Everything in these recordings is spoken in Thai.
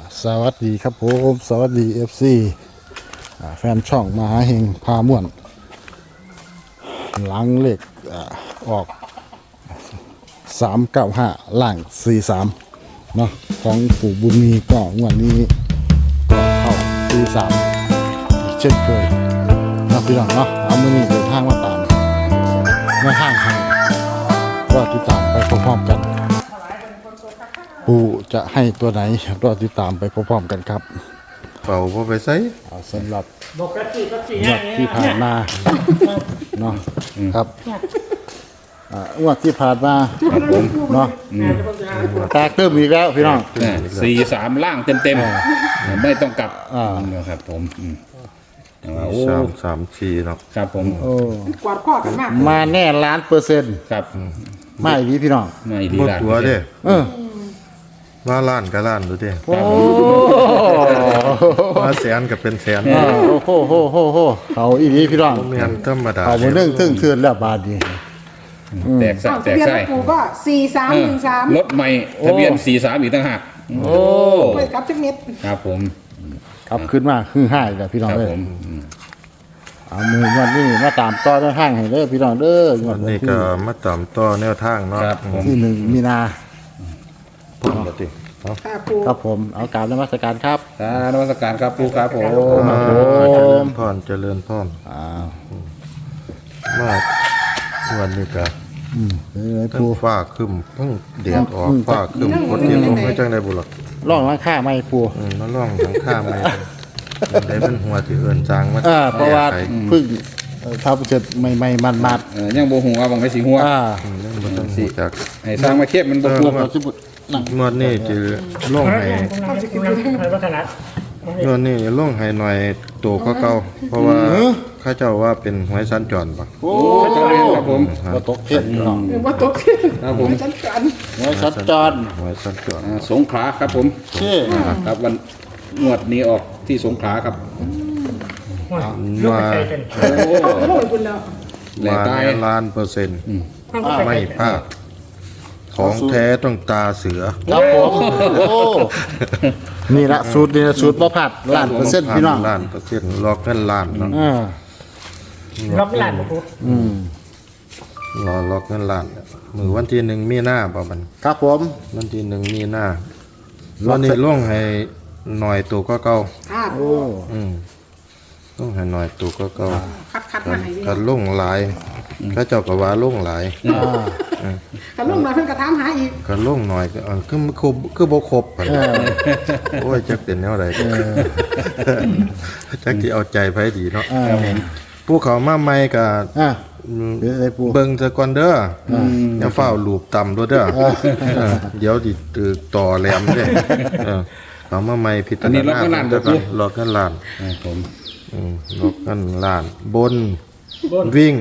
สวัสดีครับผมสวัสดี FC แฟนช่องมหาเฮงพาม่วนหลังเลขออก395ล่าง43เนาะของปู่บุญมีก็งวดนี้ก็เข้า43อีกเช่นเคยนะพี่น้องเนาะเอามื้อนี้เดินทางมาตามแนวทางให้ก็ติดตามไปพร้อมๆกันปู่จะให้ตัวไหนรอติดตามไปพร้อมๆกันครับเป่าพอไปใส่สำหรับบอกกระสีกระสีงวดที่ผ่านมาเนาะครับงวดที่ผ่านมาเนาะแตกเติมอีกแล้วพี่น้อง 43ล่างเต็มๆไม่ต้องกลับนะครับผมโอ้สามชีเนาะครับผมโอ้กวาดข้อกันมากมาแน่1,000,000% ครับไม่ดีพี่น้องไม่ดีหมดละตัวเด้ มาล้านก็ล้านดูเด้โอ้มาแสนก็เป็นแสนโหเขาอีดีพี่น้องแม่นธรรมดาเอามาเรื่องเทื่อนแล้วบาดนี้แตกอ้าวแตทะกเบียนไส้รถปู่ก็4313 รถใหม่ทะเบียน43อีกต่างหากโอ้ไปกับจักเม็ดครับผมครับขึ้นมาคือห้าแล้วพี่น้องครับเอ้ยผมเอามือวันนี้มาตามต่อในห้างให้เด้อพี่น้องเด้อวันนี้ก็มาตามต่อแนวทางเนาะครับผมที่1 มีนาพุ่นบ่ติเนาะค่ะปู่ครับผมเอากราบนมัสการครับนมัสการครับปูครับผมเจริญพรเจริญพรอ้าวมาวันนี้ก็เป็นไงทั้งปูฟ้าครึ้มทั้งแดดออกฟ้าครึ้มฝนที่ลงไม่จังได๋บุหรอกร่องร้านค้าไม่ปูมาล่องทางข้ามไปได้เป็นหัวที่เอิ้นจางมาเพราะว่าแก้ไขเพึ่งทำเสร็จใหม่ๆมันยังโบหัวบางไว้สีหัวเรื่องบ่ต้องรู้จักให้สร้างมาเทียบมันบ่ๆปูพวกเราที่บุนั่งงวดนี้จะลงให้เขาจะกินอยู่ในวัฒนธรรมงวดนี้ลงให้หน่อยตัวก็เก่าเพราะว่าเข้าเจ้าว่าเป็นหวยสัญจรปะโอ้ครับผมมาตกเพชรพี่น้องว่าตกครับผมฉันกันไว้ชัดจรหวยสัญจรสงขลาครับผมเช่ครับวันงวดนี้ออกที่สงขลาครับมาโอ้โอ้ยคุณแล้วแหล่มาตาย 1,000,000%ไม่พลาดของแท้ต้องตาเสือครับผมโอ้นี่ละสูตรนี่ละสูตรบ่ผัด1,000,000%พี่น้องล้านเปอร์เซ็นต์ล็อกเงินล้านเนาะรับหลานปู่รอล็อกเงินล้านมือวันที่1 มีนาบ่มันครับผมวันที่1 มีนาวันนี้ลงให้หน่อยตัวก็เก่าค่ะโอ้ลงให้หน่อยตัวก็เก่าคัดมาให้กันลงหลายเขาเจ้าก็ว่าลงหลายคันลงมาเพิ่นก็ถามหาอีกกันลงหน่อยก็คือบ่ครบปานใดโอ้ยจักเป็นแนวใดจักสิเอาใจไผดีเนาะผู้เขามาใหม่ก็เป็นไงปูเบิ่งซะก่อนเด้ออย่าเฝ้าลูบต่ำด้วยเด้อเดี๋ยวดิตึกต่อแหลมเด้เขามาใหม่พิจารณาล็อกกันล้านครับผมล็อกกันล้าน บนวิ่ง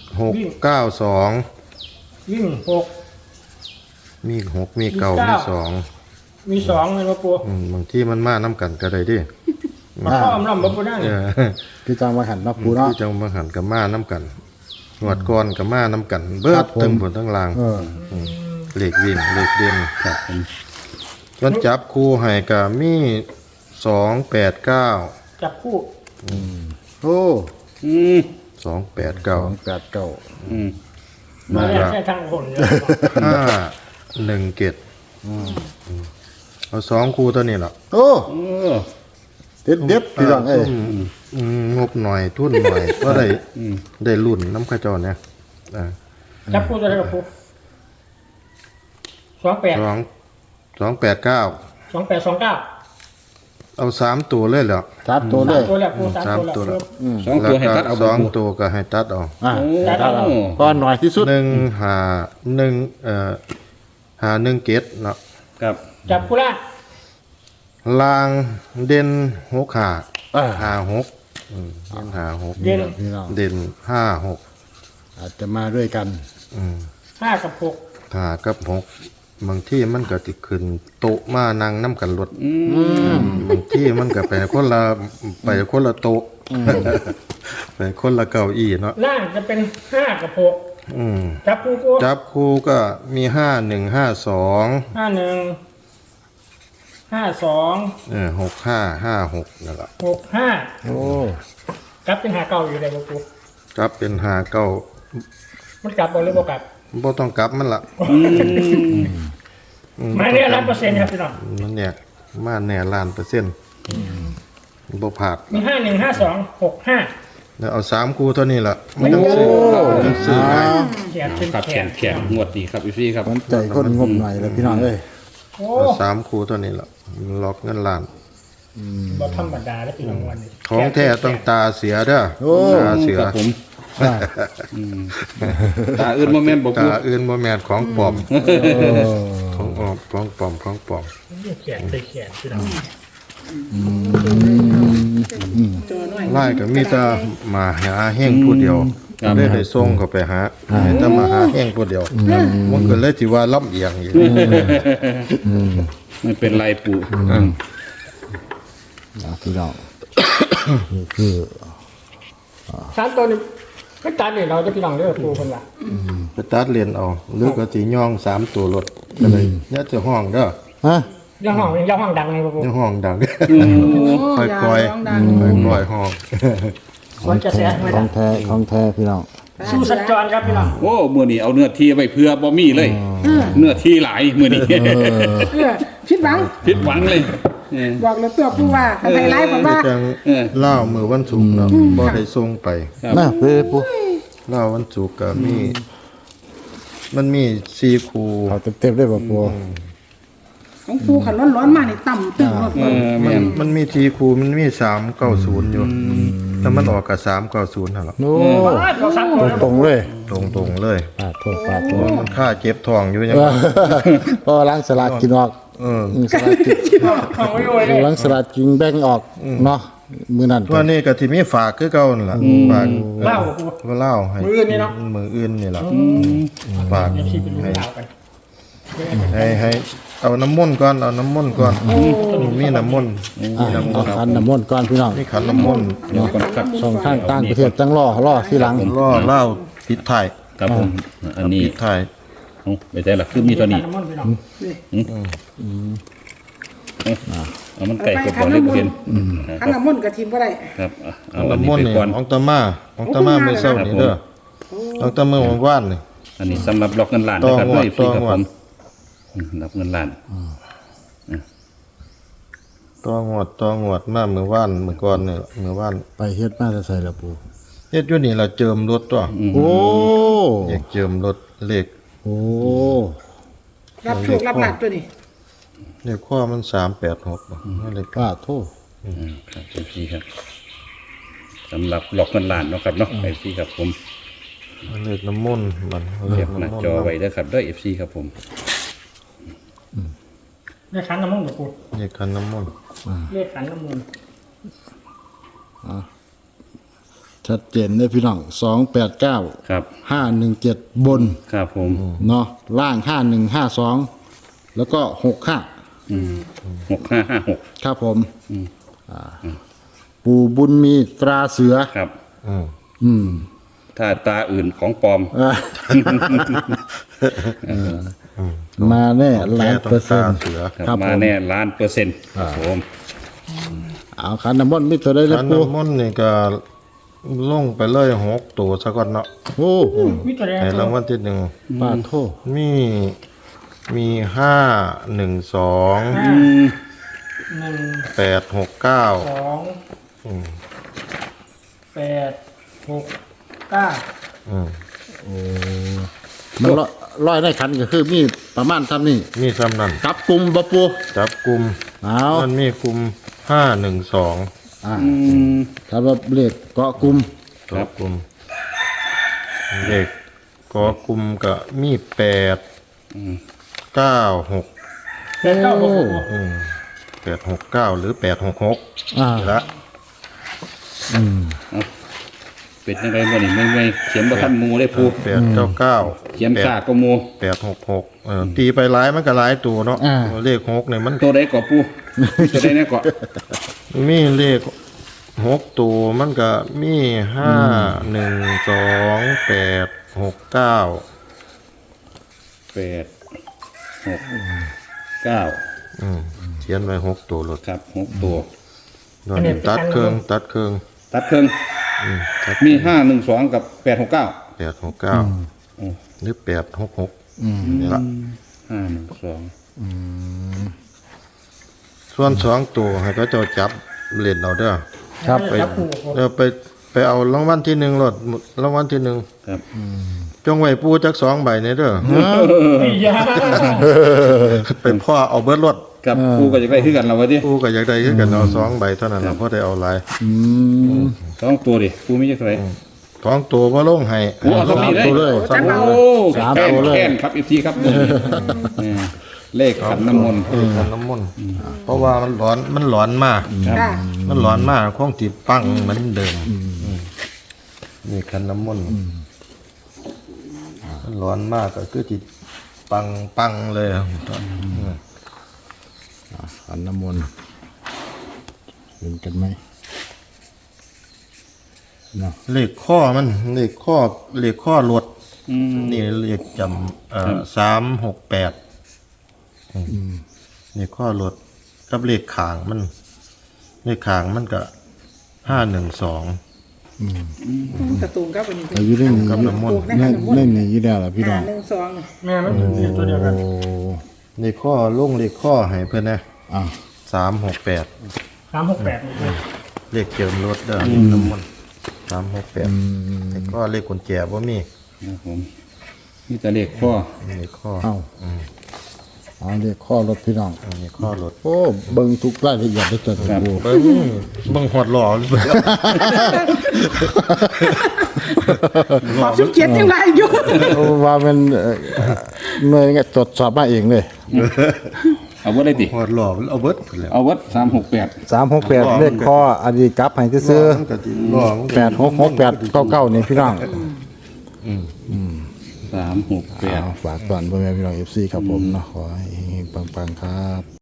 692 วิ่ง6 มี6มี9มี2 มี2เลยว่าปู่บางที่มันมานํกันก็ได้เดิมาข้อมล้ำบ่ปู่นั่นคือจังมาหันเนาะปูเนาะที่จังมาหันกับมาน้ำกันหวดก่อนกับมาน้ำกัน เบิครัดบผมทั้งบนทั้งล่างเหล็กวิ่งเหล็กเด่นครับผมวันจับคู่ให้กับมี289 จับคู่โอ้ 289 289 มาแล้วใช้ทางคนเลย 517เอา2คู่ตัวนี้ล่ะโอ้เด็ดพี่น้องเอ้ยงบหน่อยทุนหน่อยก็ได้รุ่นน้ำข้าเจ้าเนี่ยจับคู่ตัวไหนกับปู่ 289 2829 เอา3ตัวเลยเหรอจับตัวเลยตัวแรกปู่3 3 ตัตัว วแล้แล้ว วสองตัวให้ตัดเอาสองตัวก็ให้ตัดเอาตัดเอาก็หน่อยที่สุด 1 เกตเนาะครับจับคู่ล่างลางเด่น6 อ่า 5 6เด่น5 6 เด่นพี่น้องเด่น5 6 อาจจะมาด้วยกัน 5กับ6 5 กับ 6 บางที่มันก็สิขึ้นโต๊ะมานั่งนํกันรถบางที่มันก็ไปคนละโต๊ะไปคนละเก้าอี้เนาะล่างจะเป็น5กับ6จับคู่กูจับคู่ก็มี 5152 51 52 52 6556นั่นแหละ 65 โอ้กลับเป็นหาเก่าอยู่ได้บ่ปูกลับเป็นหาเก้ามันกลับบ่หรือบ่กลับบ่ต้องกลับมันละมาเนี่ย100%ครับพี่น้องมันเนี่ยมาแน่ล้านเปอร์เซ็นต์บ่ผาดมี51 52 65 แล้วเอา3คู่เท่านี้ล่ะไม่ต้องซื้อไม่ต้องซื้อให้เขียนเป็นครับแขแขนนแขนงวดดีครับพี่ครับมันใจคนงมหน่อยเลยพี่น้องเอ้ยโอ้เอา3คู่เท่านี้ล่ะล็อกเงินล้านบ่ธรรมดาแล้วพี่น้องวันนี้ของแท้ต้องตาเสียเด้อตาเสียครับผมอ่าตาอื่นโมเมนต์บอกตาอื่นบ่แม่นของปลอมโอ้ของปลอมของปลอมเขียนไปเขียนพี่น้องไล่ก็มีแต่มาหาเฮงผู้เดียวได้ส่งเขาไปหาให้แต่มาหาเฮงผู้เดียวมันก็เลยสิว่าลำเอียงอยู่ไม่เป็นไรปู่พี่น้องนี่คือ 3ตัวนี้ก็ตัดนี่เราจะพี่น้องเด้อปูเพิ่นว่าไปตัดเลนเอาหรือก็สิย่อง3ตัวรถก็เลยอย่าจะห้องเด้อฮะย่าห้องดังเลยปูอย่าห้องดังค่อยๆค่อยๆห้องมันจะเสียไม่ขได้องแท้ของแท้พี่น้องสู้สัญจรครับพี่น้องโอ้มือนี้เอาเนื้อที่ไปเพื่อบ่มีเลย เนื้อที่หลายมือนี้คิดหวังผิดหวังเลยบอกเลยตัวผู้ว่าไฮไลท์ผมว่าจังเล่ามือวันศุกร์เนาะบ่ได้ส่งไปน่าเป้ปุ๊เล่าวันศุกร์ก็มีมันมี4คู่เอาเต็มๆได้ป่ะปูของผู้ขันร้อนๆมานี่ต่ำตึงหมดมันมี4คู่มันมี390อยู่แต่มันออกกับ390นั่นล่ะโอ้เรา3ตัวแล้วตรงๆเลยตรงๆเลยปาดโทษปาดโทษมันค่าเจ็บท้องอยู่ยังพอล้างสลัดกินออก สลัดกินของไว้ไว้เลยล้างสลัดกินแบ่งออกเนาะมือนั่นตัวนี้ก็สิมีฝากคือเก่านั่นล่ะฝากเล่าปูก็เล่าให้มื้ออื่นนี่เนาะมืออื่นนี่ล่ะฝากเดี๋ยวที่เป็นเรื่องราวกันให้เอาน้ำมนต์ก่อนเอาน้ำมนต์ก่อนมีน้ำมนต์เอาขันน้ำมนต์ก่อนพี่น้องมีขันน้ำมนต์เนาะครับส่งข้างต่างประเทศจังล่อที่หลังล่อเล่าปิดท้ายครับผมอันนี้ปิดท้ายเอาไปได้ละคือมีตัวนี้น้ำมันพี่น้องเอามันไก่กดบอลเล็กเพียนขันน้ำมนต์กับทีมก็ได้ครับเอาอันนี้น้ำมนไปต์นี่ก่อนของตามามื้อเช้านี่เด้อของตามื้อวันวานนี่อันนี้สำหรับล็อกเงินล้านนะครับต่องวดให้ฟรีครับต่องผวดมรับเงินล้านตัวงวดมามื้อวานมื้อก่อนนี่ล่ะมื้อวานไปเฮ็ดมาจะใส่ละปูเฮ็ดอยู่นี่ล่ะเจิมรถตัวโอ้อยากเจิมรถเลขโอ้รับโชครับหลักตัวนี้เลขข้อมัน386บ่เลขปาดโทษครับฟรีครับสำหรับล็อกเงินล้านเนาะครับเนาะให้ฟรีครับผมเลขน้ำมนต์มันเลเก็ขบหน้าน้ำมนต์จอไว้เด้อครับด้วย FC ครับผมเลขขันน้ำมันปูเลขขันน้ำมนต์เลขขันน้ำมันชัดเจนเลยพี่น้อง289 ครับ 517 บนครับผมเนาะล่าง5152แล้วก็65 6556 ครับผมปู่บุญมีตราเสือครับอืมถ้าตาอื่นของปลอมอ่ะมาแน่ล้านเปอร์เซ็นต์เสือครับครับมาผมแน่ล้านเปอร์เซ็นต์ครับผมเอาขันน้ำมนต์มีตัวได้เลยขันปู่น้ำมนต์นี่ก็ลงไปเลย6ตัวซะก่อนเนาะโอ้วิจารให้ณ์รางวัลที่1 ปาดโทษมี5 1 2 1 8 6 9 2 8 6 9 มันร้อยในขันก็คือมีประมาณทำนี่มีซ้ำนั่นจับกลุ่มปะปูจับกลุ่มเอามันมีกลุ่ม512 ถ้าว่าเลขเกาะกลุ่มจับกลุ่มเลขก็กลุ่มก็มี8 9 6 8 9 6 869หรือ866 อ่าละเป็นยังไงบ่นี่ไม่เขียนบ่ทันหมูได้ปู 899 เขียนซากก็หมู 866ตีไปหลายมันก็หลายตัวเนาะเลข6เนี่ยมันตัวใดก็ปูตัวใดแน่ก็มีเลข6ตัวมันก็มี5 1 2 8 6 9 8 6 9 ขียนไว้6ตัวรถครับ6ตัวนอนตัดเครื่องตัดเครื่องมี512กับ869 869หรือ866นี่ละ 512 ส่วน2ตัวให้เขาเจ้าจับเล่นเอาเด้อครับไปไปเอารางวัลที่1รถรางวัลที่1 ครับจงไว้ปูจัก2ใบนี่เด้อพี่ยาไปพ่อเอาเบิดรถกับกูก็จะได้คือกันเราไว้ดิปูก็อยากได้คือกันเอา2ใบเท่านั้นล่ะเพราะได้เอาหลาย 2ตัวดิกูมีจักเท่าไหร่ 2ตัวบ่ลงให้โอ้เอาต้องมีเลยตัวเลยโอ้สามแค่นตัวเลยแค่นครับ FC ครับเลขขันน้ำมนต์ขันน้ำมนต์เพราะว่ามันร้อนมากค่ะมันร้อนมากคงติดปังเหมือนเดิมนี่ขันน้ำมนต์มันร้อนมากก็คือติดปังเลยอันน้ำมนต์เห็นกันไหมเนาะเลขข้อมันเลขข้อรถนี่เลขจำ368นี่ข้อรถกับเลขขางมันเลขขางมันก็512 กระตูนกับอันนี้แต่อยู่ในนี้กับน้ำมนต์ในนี้อยู่แล้วล่ะพี่น้อง 1 2 แม่มันเป็นตัวเดียวกันโอ้เลขข้อลงเลขข้อให้เพื่อนนะอ่ะ 368 368 เลขเจิมรถเด้อน้ำมัน368แต่ก็เลขกุญแจบ่มีครับผมนี่แต่เลขข้อเลขข้อเอาเอาเรียกข้อรถพี่น้องเลขข้อรถโอ้เบิ่งทุกรายละเอียดได้เจอกับกูเบิ่งหอดหล่อเลยขอบสุดเกียรติยังไรอยู่ว่ามันหน่วยงานตรวจสอบมาเองเลยเอาเวิร์ดได้ติหอดหล่อเอาเบิดพุ่นแหล้วเอาเวิร์ด368 368เลขข้ออดีตกลับให้ซื้อมันก็สิหล่อมันก็ 866899นี่พี่น้อง 368 ฝากตอนพ่อแม่พี่น้อง FC ครับผมเนาะขอให้เฮงๆปังๆครับ